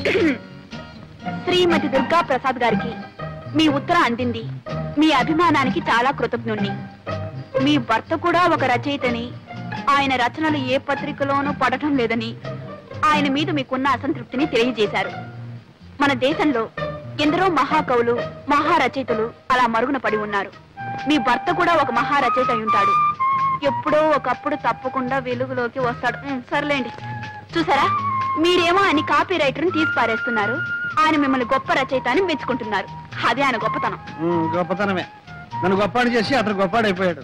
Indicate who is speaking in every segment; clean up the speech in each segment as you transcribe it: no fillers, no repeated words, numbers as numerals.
Speaker 1: శ్రీమతి దుర్గా ప్రసాద్ గారికి మీ ఉత్తరం అందింది. మీ అభిమానానికి చాలా కృతజ్ఞుణ్ణి. మీ భర్త కూడా ఒక రచయితని, ఆయన రచనలు ఏ పత్రికలోనూ పడటం లేదని, ఆయన మీద మీకున్న అసంతృప్తిని తెలియజేశారు. మన దేశంలో ఎందరో మహాకవులు, మహారచయితలు అలా మరుగున పడి ఉన్నారు. మీ భర్త కూడా ఒక మహారచయిత అయి ఉంటాడు. ఎప్పుడో ఒకప్పుడు తప్పకుండా వెలుగులోకి వస్తాడు. సర్లేండి. చూసారా, మీరేమో ఆయన కాపీ రైటర్ని తీసి పారేస్తున్నారు. ఆయన మిమ్మల్ని గొప్ప రచయిత అని మెచ్చుకుంటున్నారు. అదే ఆయన గొప్పతనం.
Speaker 2: గొప్పతనమే. నన్ను గొప్పాడు చేసి అతను గొప్పాడైపోయాడు.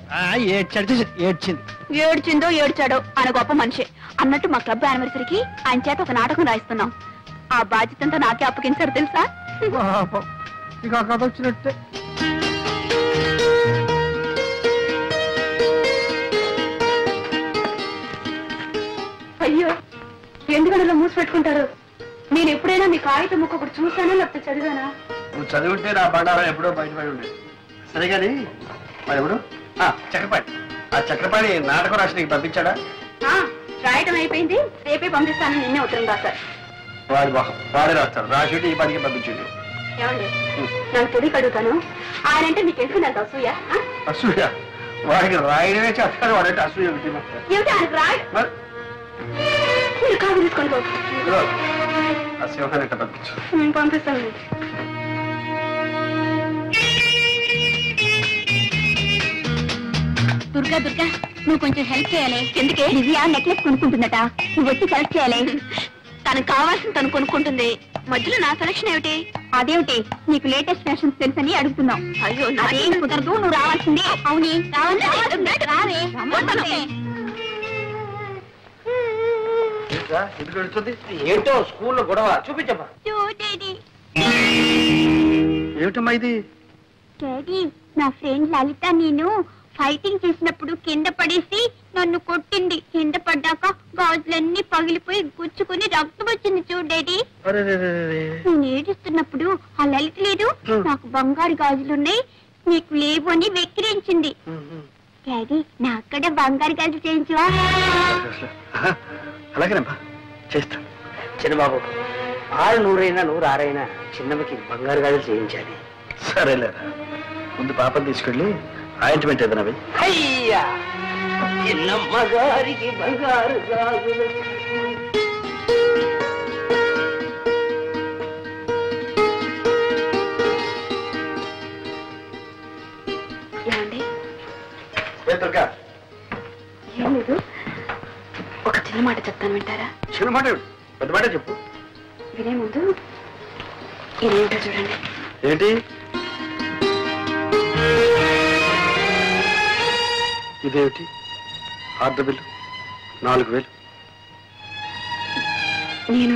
Speaker 1: ఏడ్చిందో ఏడ్చాడో ఆయన గొప్ప మనిషి. అన్నట్టు మా క్లబ్ యానివర్సరీకి ఆయన చేత ఒక నాటకం రాయిస్తున్నాం. ఆ బాధ్యతంతా నాకే అప్పగించారు తెలుసా?
Speaker 2: ఇక ఆ కథ వచ్చినట్టే.
Speaker 1: అయ్యో, ఎందుకనలో మూసి పెట్టుకుంటారు? నేను ఎప్పుడైనా మీ కాగితం ముక్క ఒకటి చూసానా లేకపోతే చదివానా?
Speaker 2: నువ్వు చదివితే నా బండారం ఎప్పుడో బయటపడి ఉండేది. సరే కానీ మరి ఎవరు? చక్రపాణి. ఆ చక్రపాణి నాటకం రాసి నీకు పంపించాడా?
Speaker 1: రాయటం అయిపోయింది. రేపే పంపిస్తానని నిన్నే ఉత్తరం రాశారు.
Speaker 2: వాడి మొహం వాడే రాస్తాడు. రాసి ఈ పనికి పంపించండి.
Speaker 1: ఏమండి, నాకు తెలియక అడుగుతాను, ఆయనంటే నీకు ఎందుకు నాకు అసూయ?
Speaker 2: అసూయ? వాడికి రాయడమే చేస్తాడు. వాడంటే అసూయ ఏమిటి?
Speaker 1: ఆయనకు రాయ మీరు కాదు తీసుకొని
Speaker 2: ఆ సింహాన్ని ఎట్లా పంపించు?
Speaker 1: పంపిస్తాను. దుర్గా దుర్గా, నువ్వు కొంచెం హెల్ప్ చేయాలి. ఎందుకే? దివ్య నెక్లెస్ కొనుక్కుంటుందట, నువ్వు వచ్చి సెలెక్ట్ చేయాలి. తనకు కావాల్సింది తను కొనుక్కుంటుంది. మధ్యలో నా సెలక్షన్ ఏమిటి? అదేమిటి, నీకు లేటెస్ట్ ఫ్యాషన్స్ తెలుసని అడుగుతున్నావు. అయ్యో, నాదేం కుదరదు, నువ్వు రావాల్సిందే. అవునీ,
Speaker 2: ఎందుకు వెళుతుంది? ఏంటో స్కూల్లో గొడవ. చూపించమ్మా. ఏమిటమ్మా ఇది?
Speaker 1: డాడీ, నా ఫ్రెండ్ లలిత నేను ఫైటింగ్ చేసినప్పుడు కింద పడేసి నన్ను కొట్టింది. కింద పడ్డాక గాజులన్నీ పగిలిపోయి గుచ్చుకుని రక్తం వచ్చింది చూడు డాడీ. నేను ఏడుస్తున్నప్పుడు ఆ లలిత లేదు, నాకు బంగారు గాజులున్నాయి నీకు లేవు అని వెక్కిరించింది. డాడీ, నా అక్కడ బంగారు గాజులు చేయించవా?
Speaker 2: అలాగేనమ్మా, చేస్తాను.
Speaker 3: చిన్నబాబు, 600 100 చిన్నమ్మకి బంగారు గాజులు చేయించాలి.
Speaker 2: సరేలేరా, ముందు పాపం తీసుకెళ్ళి ఆయింట్మెంట్ ఏదైనా వెయ్యి.
Speaker 3: అయ్యా, చిన్నమ్మ గారికి బంగారు గాజులు.
Speaker 1: ఏమండి?
Speaker 2: ఏం
Speaker 1: లేదు, ఒక చిన్న మాట చెప్తాను, వింటారా?
Speaker 2: చిన్న మాట? పెద్ద మాట చెప్పు.
Speaker 1: వినే ముందు ఇదేంటో చూడండి.
Speaker 2: ఏంటి ఇదేమిటి? Order bill 4000.
Speaker 1: నేను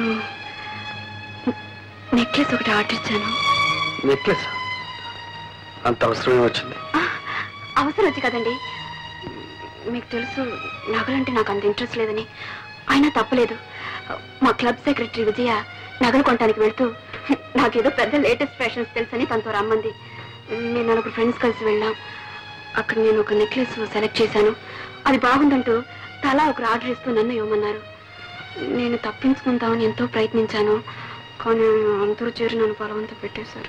Speaker 1: నెక్లెస్ ఒకటి ఆర్డర్ ఇచ్చాను.
Speaker 2: నెక్లెస్? అంత అవసరమే వచ్చింది?
Speaker 1: అవసరం వచ్చి కదండి. మీకు తెలుసు నగలంటే నాకు అంత ఇంట్రెస్ట్ లేదని. అయినా తప్పలేదు. మా క్లబ్ సెక్రటరీ విజయ నగలు కొనడానికి వెళ్తూ నాకేదో పెద్ద లేటెస్ట్ ఫ్యాషన్స్ తెలుసని తనతో రమ్మంది. నేను 4 ఫ్రెండ్స్ కలిసి వెళ్ళాం. అక్కడ నేను ఒక నెక్లెస్ సెలెక్ట్ చేశాను. అది బాగుందంటూ తలా ఒకరు ఆర్డర్ ఇస్తూ నన్ను ఇవ్వమన్నారు. నేను తప్పించుకుందామని ఎంతో ప్రయత్నించాను. కానీ అందరూ చేరి నన్ను బలవంతం పెట్టేశారు.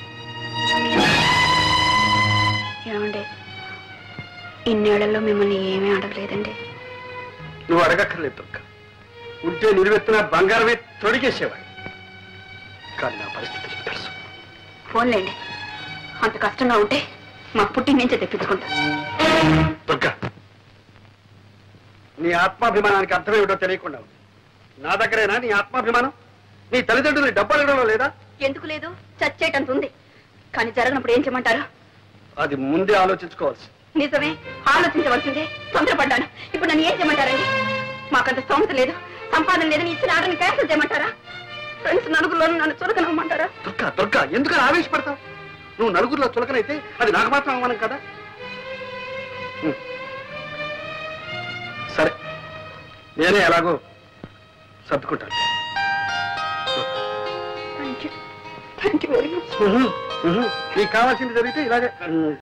Speaker 1: ఏమండి, ఇన్నేళ్లలో మిమ్మల్ని ఏమీ అడగలేదండి.
Speaker 2: నువ్వు అడగక్కర్లేదు దుర్గా. ఉంటే నిలువెత్తున బంగారమే తొడిగేసేవాడు. కానీ నా పరిస్థితి తెలుసు.
Speaker 1: ఫోన్లేండి, అంత కష్టంగా ఉంటే మా పుట్టి నుంచే తెప్పించుకుంటా.
Speaker 2: దుర్గా, నీ ఆత్మాభిమానానికి అర్థమేమిటో తెలియకుండా ఉంది. నా దగ్గరేనా నీ ఆత్మాభిమానం? నీ తల్లిదండ్రులు డబ్బు అడగడంలో లేదా?
Speaker 1: ఎందుకు లేదు, చచ్చేటంత ఉంది. కానీ జరగనప్పుడు ఏం చేయమంటారు?
Speaker 2: అది ముందే ఆలోచించుకోవాల్సి.
Speaker 1: నిజమే, ఆలోచించవలసిందే. తొందరపడ్డాను. ఇప్పుడు నన్ను ఏం చేయమంటారండి? మాకంత స్తోమత లేదు, సంపాదన లేదని ఇచ్చిన ఆర్డర్ని క్యాన్సిల్ చేయమంటారా? ఫ్రెండ్స్ నలుగురిలోనూ నన్ను చులకనమ్మంటారా?
Speaker 2: దుర్గా దుర్గా, ఎందుకని ఆవేశపడతావు? నువ్వు నలుగురిలో చులకనైతే అది నాకు మాత్రం అవమానం కదా. సరే, నేనే ఎలాగో సర్దుకుంటాను.
Speaker 1: Thank you very much.
Speaker 2: నీకు కావాల్సింది జరిగితే ఇలాగే